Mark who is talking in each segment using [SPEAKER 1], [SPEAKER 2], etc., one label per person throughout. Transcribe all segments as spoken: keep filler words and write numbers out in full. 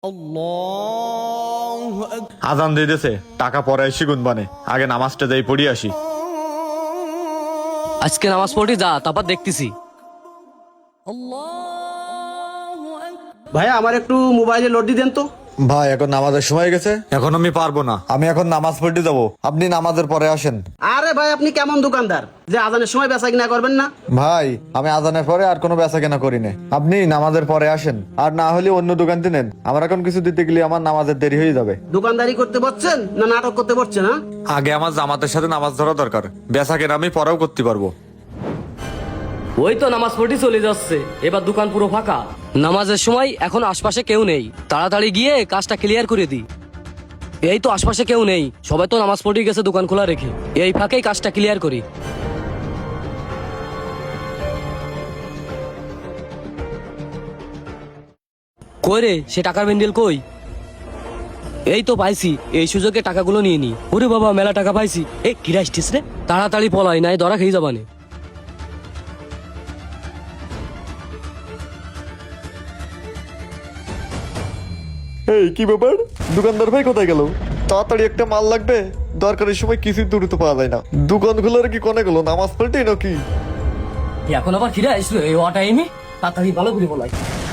[SPEAKER 1] আজান দিয়ে দিয়েছে, টাকা পরে এসে গুনবানে, আগে নামাজটা যাই পড়ি আসি।
[SPEAKER 2] আজকে নামাজ পড়ি যা, তারপর দেখতেছি।
[SPEAKER 3] ভাইয়া আমার একটু মোবাইলে লোড দিয়ে দেন তো।
[SPEAKER 1] ভাই এখন নামাজের সময় গেছে, এখন আমি পারবো না, আমি এখন নামাজ পড়তে যাবো, আপনি নামাজের পরে আসেন।
[SPEAKER 3] আরে ভাই আপনি কেমন দোকানদার যে আজানের সময় বেচা কিনা করবেন না?
[SPEAKER 1] ভাই আমি আজানের পরে আর কোনো বেচা কেনা করি না, আপনি নামাজের পরে আসেন, আর না হলে অন্য দোকান নেন, আমার এখন কিছু দিতে গেলে আমার নামাজের দেরি হয়ে যাবে।
[SPEAKER 3] দোকানদারি করতে বসছেন না নাটক করতে বসছেন? হ্যাঁ
[SPEAKER 1] আগে আমার জামাতের সাথে নামাজ ধরা দরকার, বেচা কেনা আমি পরেও করতে পারবো।
[SPEAKER 2] ওই তো নামাজ পড়ি চলে যাচ্ছে, এবার দোকান পুরো ফাঁকা। নামাজের সময় এখন আশপাশে কেউ নেই, তাড়াতাড়ি গিয়ে কাজটা ক্লিয়ার করে দিই। এই তো আশপাশে কেউ নেই, সবাই তো নামাজ পড়ে গেছে দোকান খোলা রেখে, এই ফাঁকেই কাজটা ক্লিয়ার করি। কই রে, সে টাকার বেন্ডেল কই? এই তো পাইছি, এই সুযোগে টাকাগুলো নিয়ে নি। ওরে বাবা, মেলা টাকা পাইছি। এ কিরা আসছিস রে, তাড়াতাড়ি পলাই, নাই ধরা খেয়ে যাবানে।
[SPEAKER 1] এই কি ব্যাপার, দোকানদার ভাই কোথায় গেল? তাড়াতাড়ি একটা মাল লাগবে, দরকারের সময় কিছুই দ্রুত পাওয়া যায় না। দোকান খোলার কি কোনে গেল, নামাজ পড়তে নাকি?
[SPEAKER 2] এখন আবার কিরা আসলো এই ও টাইমে? তাড়াতাড়ি ভালো করে বলাই।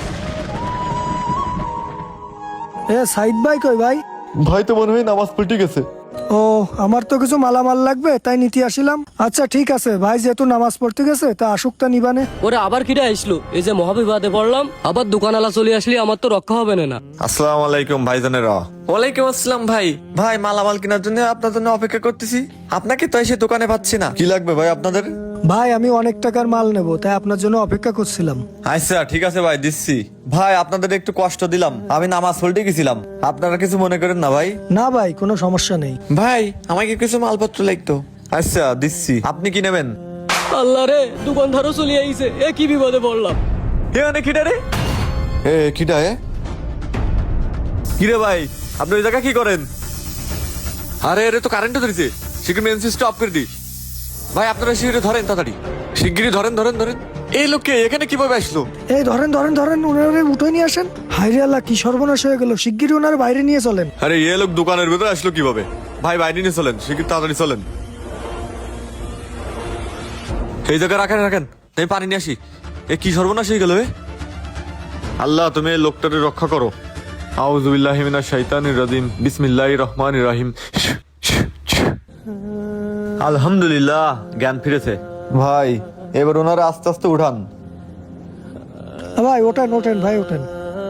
[SPEAKER 4] এ সাইদ ভাই কই ভাই?
[SPEAKER 1] ভাই তো মনে হয় নামাজ পড়তে গেছে।
[SPEAKER 4] ও আমার তো কিছু মালামাল লাগবে তাই নিতে আসিলাম। আচ্ছা ঠিক আছে ভাই, যেহেতু নামাজ পড়তে গেছে তা আসুক তা নিবানে।
[SPEAKER 2] ওরে আবার কিরা আসলো, এই যে মহাবিবাদে পড়লাম, আবার দোকানওয়ালা চলে আসলে আমার তো রক্ষা হবে না।
[SPEAKER 1] আসসালামু আলাইকুম ভাইজানেরা।
[SPEAKER 5] ওয়ালাইকুম আসসালাম ভাই। ভাই মালামাল কেনার জন্য আপনার জন্য অপেক্ষা করতেছি, আপনাকে তো এসে দোকানে পাচ্ছি না।
[SPEAKER 1] কি লাগবে ভাই আপনাদের?
[SPEAKER 4] ভাই আমি অনেক টাকার মাল নেব, তাই আপনার জন্য অপেক্ষা করছিলাম।
[SPEAKER 1] আচ্ছা ঠিক আছে ভাই, দিচ্ছি। ভাই আপনাদের একটু কষ্ট দিলাম, আমি নামাজ পড়তে গেছিলাম, আপনারা কিছু মনে করেন না ভাই।
[SPEAKER 4] না ভাই কোনো সমস্যা নেই।
[SPEAKER 5] ভাই আমাকে কিছু মালপত্র লাগতো।
[SPEAKER 1] আচ্ছা দিচ্ছি, আপনি কি নেবেন?
[SPEAKER 2] আল্লাহ রে, দোকানদারও চলে আইছে, এ কি বিপদে পড়লাম।
[SPEAKER 1] হে অনেক খিটা রে, এ খিটা এ কিরে ভাই, আপনি ওই জায়গা কি করেন? আরে আরে তো কারেন্টও ধরেছে, শিগগিরি মেন সুইচটা অফ করে দি। ভাই আপনারা শিগগিরি ধরেন, তাড়াতাড়ি শিগগিরি ধরেন ধরেন ধরেন। এই লোককে এখানে কিভাবে আসলো?
[SPEAKER 4] এই ধরেন ধরেন ধরেন, ওনারে উঠে নিয়ে আসেন। হাইরে আল্লাহ, কি সর্বনাশ হয়ে গেল, শিগগিরই ওনার বাইরে নিয়ে চলেন।
[SPEAKER 1] আরে এ লোক দোকানের ভেতরে আসলো কিভাবে? ভাই বাইরে নিয়ে চলেন, শিগগিরি তাড়াতাড়ি চলেন। এই জায়গায় রাখেন রাখেন, আমি পানি নিয়ে আসি। এ কি সর্বনাশ হয়ে গেল? এ আল্লাহ তুমি এই লোকটাকে রক্ষা করো। আউযু বিল্লাহি মিনাশ শাইতানির রাজিম, বিসমিল্লাহির রহমানির রহিম। আলহামদুলিল্লাহ, জ্ঞান ফিরেছে। ভাই এবার ওনারা আস্তে আস্তে উঠান।
[SPEAKER 4] ভাই ওঠেন ওঠেন ভাই ওঠেন।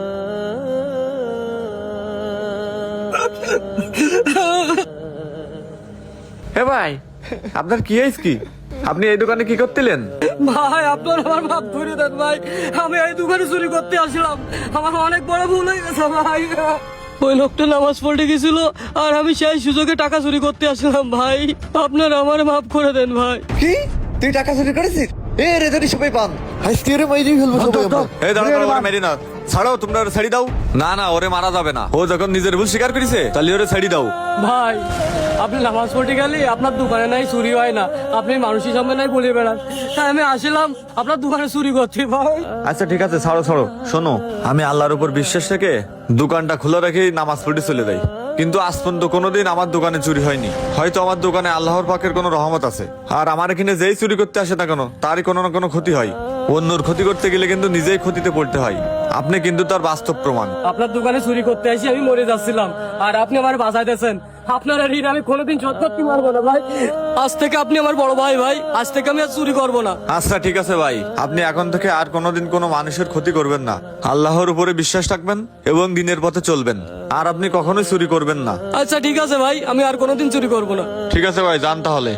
[SPEAKER 5] হে ভাই, আপনার কি হয়েছে? কি আপনি এই দোকানে কি করতেলেন?
[SPEAKER 2] ভাই আপনার আমার মাপ ধরে দেন ভাই, আমি এই দোকানে চুরি করতে আসলাম, আমার অনেক বড় ভুল হয়ে গেছে ভাই। ওই লোকটা নামাজ পড়তে গেছিল আর আমি সেই সুযোগে টাকা চুরি করতে আসলাম ভাই, আপনার আমার মাফ করে দেন ভাই।
[SPEAKER 5] কি তুই টাকা চুরি করেছিস? এ রে ধরি সবাই পান, আজকে রে মাইরি ফেলবো সবাই আমরা।
[SPEAKER 1] এই দাঁড়াও দাঁড়াও, ওরে মেরি না, ছাড়ো, তোমরা ওরে ছেড়ে দাও। না না, ওরে মারা যাবে না, ও যখন নিজের ভুল স্বীকার করেছে তাহলে ওরে ছেড়ে দাও।
[SPEAKER 2] ভাই আপনি নামাজ পড়তে গেলে আপনার দোকানে নাই চুরি হয় না, আপনি মানুষের সামনে নাই বলে বেড়ান, তাই আমি আসলাম আপনার দোকানে চুরি করতে ভাই।
[SPEAKER 1] আচ্ছা ঠিক আছে, ছাড়ো ছাড়ো। শোনো, আমি আল্লাহর উপর বিশ্বাস রেখে দোকানটা খোলা রেখে নামাজ পড়তে চলে যাই, কিন্তু আজ পর্যন্ত কোনোদিন আমার দোকানে চুরি হয়নি। হয়তো আমার দোকানে আল্লাহর পাকের কোনো রহমত আছে, আর আমার এখানে যেই চুরি করতে আসে না কেন তারই কোনো না কোনো ক্ষতি হয়। অন্যর ক্ষতি করতে গেলে কিন্তু নিজেই ক্ষতিতে পড়তে হয়, আপনি কিন্তু তার বাস্তব প্রমাণ।
[SPEAKER 2] আপনার দোকানে চুরি করতে আসি আমি মরে যাচ্ছিলাম, আর আপনি আমার বাঁচাইতেছেন। আপনার ঋণ আমি কোনোদিন শোধ করতে পারবো না ভাই, আজ থেকে আপনি আমার বড় ভাই ভাই, আজ থেকে আমি আর চুরি করবো না।
[SPEAKER 1] আচ্ছা ঠিক আছে ভাই, আপনি এখন থেকে আর কোনোদিন কোনো মানুষের ক্ষতি করবেন না, আল্লাহর উপরে বিশ্বাস রাখবেন এবং দিনের পথে চলবেন, আর আপনি কখনোই চুরি করবেন না।
[SPEAKER 2] আচ্ছা ঠিক আছে ভাই, আমি আর কোনোদিন চুরি করবো না।
[SPEAKER 1] ঠিক আছে ভাই, যান তাহলে।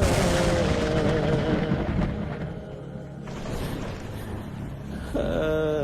[SPEAKER 2] আহ